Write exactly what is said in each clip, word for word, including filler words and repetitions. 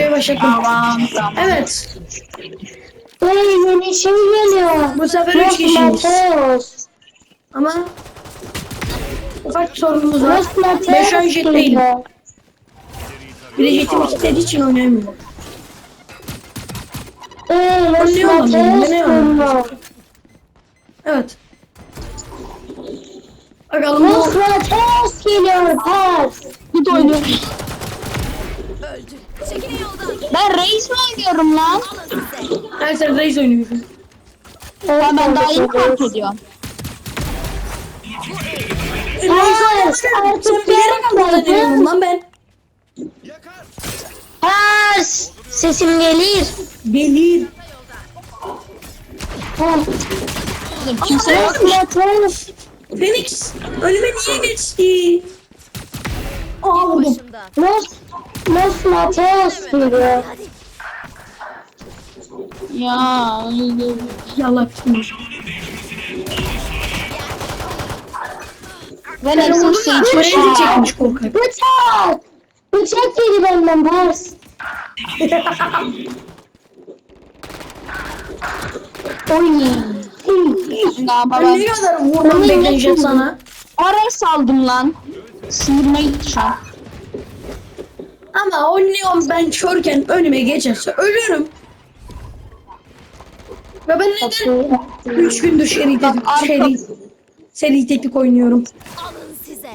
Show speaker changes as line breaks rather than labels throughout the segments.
Şuraya başladım.
Tamam tamam.
Evet.
Hey yeni şey geliyor.
Bu sefer üç kişiyiz.
Mateos.
Ama ufak bir sorunumuz var.
Los
Ben şu an
Mateos
jet değilim.
geliyor.
Bir de jetimi kilitlediği için oynayamıyorum.
Hey Los
Ne olamıyorum,
Mateos
ne olamıyorum.
geliyor.
Evet. Bakalım bu
Los Mateos geliyor. Pas.
Git oynuyorum.
Öldü. Çekilin yoldan.
Ben reis mi oynuyorum lan?
her sene reis oynuyorsun.
Evet,
Ben, ben daha
evet,
yeni
evet.
fark ediyorum.
Pas. Artık
Sen bilerek mi kullanıyorum
gelmedi.
lan ben?
Pas. Sesim gelir.
Gelir.
Pas.
Kimse yok.
Los Mateos.
Phoenix önüme niye geçti? Aa vurdum.
Başımda.
Los Los Mateos geliyor.
Ya.
Yallah bitmiş.
Ben hepsini seçmişim.
Buraya çekmiş korkak.
Bıçak. Bıçak yedi benden pas. Oy.
Ne
Ben
yapalım?
ne kadar vurmam bekleyecek sana.
Oraya saldım lan. Sinirime gitti şu an.
Ama o neon ben körken önüme geçerse ölürüm. Ve ben neden üç gündür seri teknik,
arka-
seri, seri teknik oynuyorum.
Alın size.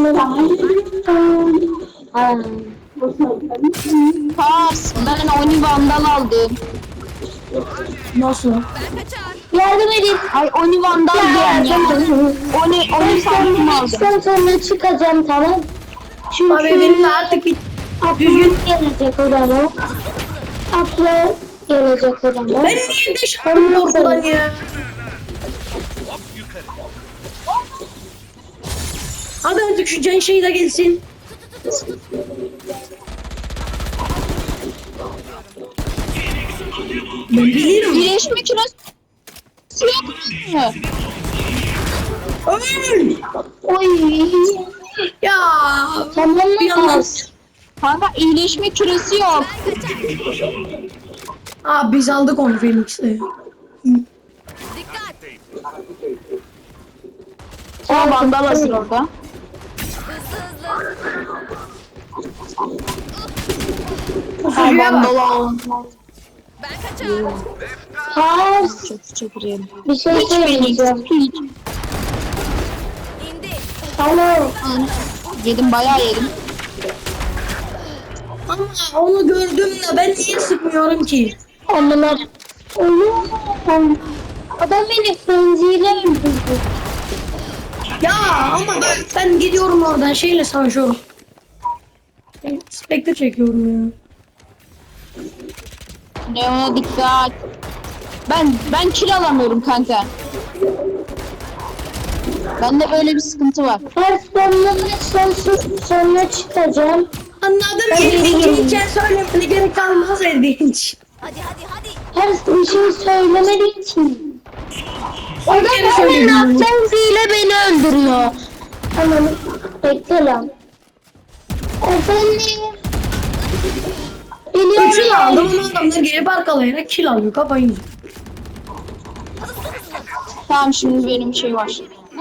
Pas. Ben Oni Vandal aldım.
Nasıl?
Ben kaçar.
Yardım edin.
Ay Oni Vandal diyorum ya. Oni, Oni sandım aldım.
Ben sonra çıkacağım tamam. Çünkü
Abi benim de artık bir
düzgün gelecek odama. Aklı gelecek odama.
ben niye de şarkım ortadan ya? Hadi artık şu can şey de gelsin. Ben bilirim.
Birleşme küresi yok mu?
Öl!
Oy.
Ya
Tamam
bir
mı
anda...
pas?
Kanka iyileşme küresi yok.
Ben kaçar.
Aa biz aldık onu Phoenix'le.
Dikkat.
O Vandal hazır orada.
Hızlı hızlı.
Pusucuya bak.
Vandal aldım.
Ben kaçar.
Pas.
Çok çekireyim.
Bir şey
Hiç Phoenix.
söyleyeceğim.
Hiç.
İndi.
Alo.
Yedim bayağı yedim.
Ama onu gördüm de ben niye sıkmıyorum ki?
Onlar. Oğlum. Adam beni frenziyle öldürdü.
Ya ama ben, ben gidiyorum oradan şeyle savaşıyorum. Ben Spectre çekiyorum ya.
Leon'a dikkat. Ben ben kill alamıyorum kanka. Bende böyle bir sıkıntı var.
Her sonuna son, sonuna çıkacağım.
Anladım
Ben
ki
geri
ikinci söylemene gerek kalmaz Erdinç.
Hadi hadi hadi.
Her bir şey söylemediği için. O da
kere
böyle
söyledim bunu.
frenziyle beni öldürüyor. Tamam. Bekle lan. Efendim.
Üçünü
Biliyorum.
aldım ama adamlar gelip arkalayarak kill alıyor kafayı yiyor.
Tamam şimdi benim şey var.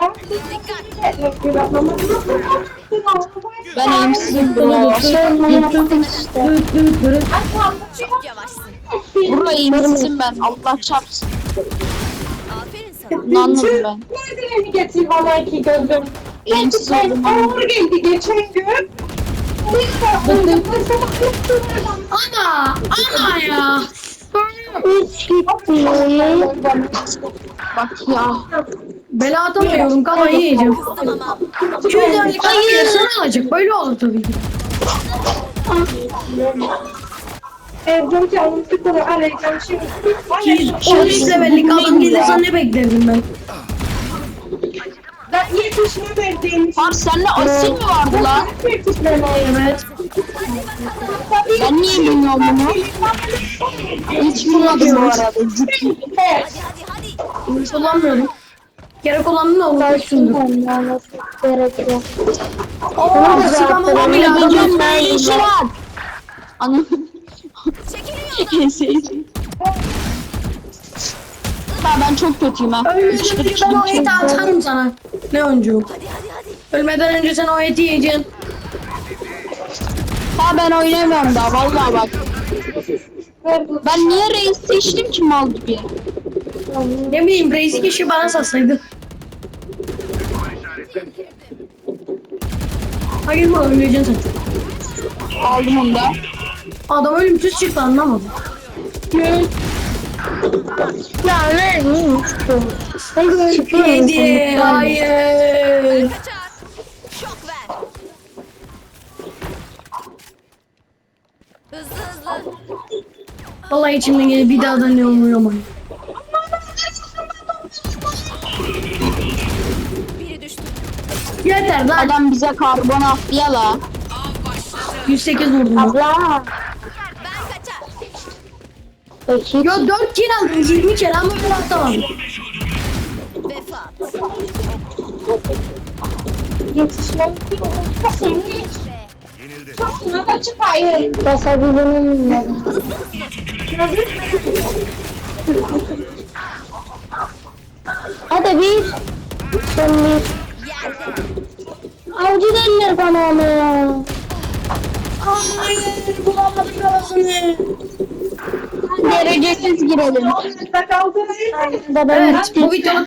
Ben elimsizim bro.
Sonra yaptım işte.
Dıt dıt dıt.
Çok yavaşsın.
Bro elimsizim ben. Allah çarpsın.
Aferin sana.
Bunu anladım ben.
Nereden getir bana iki gözüm?
Elimsiz
Ben
oldum.
ağır geldi geçen gün.
Ana! Ana ya!
Üç gitti.
Bak ya.
Bela atamıyorum kafayı yiyeceğim.
Tamam.
iki yüz liralık kafayı sana alacak böyle olur tabii ki.
Evden canım sıkılır arayacağım şimdi.
iki yüz on üç levellik adam gelirse ne beklerdim ben?
Ben yetişme verdiğim için.
Var sende asil mi vardı lan?
Yetişmeme.
Evet.
Ben niye bilmiyorum bunu? Hiç bilmadım bu arada. Ciddi.
Hadi hadi hadi.
Hiç kullanmıyorum. Gerek olanını da unutmuşsundur.
Gerekiyor.
Ooo sıkamama bile adam.
Biliyorum böyle işi var. Ana.
Çekilin
En sevdiğim. Ha ben çok kötüyüm ha.
Ölmeden önce ben o eti atarım sana. Ne oyuncu?
Hadi hadi hadi.
Ölmeden önce sen o eti yiyeceksin.
Ha ben oynamıyorum daha vallahi bak. Ben niye reis seçtim ki mal gibi?
Ne bileyim Reis'i kişi bana satsaydı. Hayır mı öleceksin sen.
Aldım onu da.
Adam ölümsüz çıktı anlamadım.
Ya ne?
Yedi. Hayır.
Kaçar. Şok ver. Hızlı hızlı.
Vallahi içimden gelip bir daha da ne oluyor ama.
Biri düştü.
Yeter lan.
Adam bize karbon attı ya la.
yüz sekiz vurdum.
Abla.
Ben kaçar.
Peki.
Yo dört kill aldım yirmi kere ama ben atamadım.
Vefat.
Yetişmem ki o seni suna da çıkayım.
Basabilirim. Hadi bir. Son bir.
Yerde.
Avcı derler bana ama ya.
Hayır bulamadım arasını.
Derecesiz girelim.
Orada kaldı.
Da ben
Evet bu videonun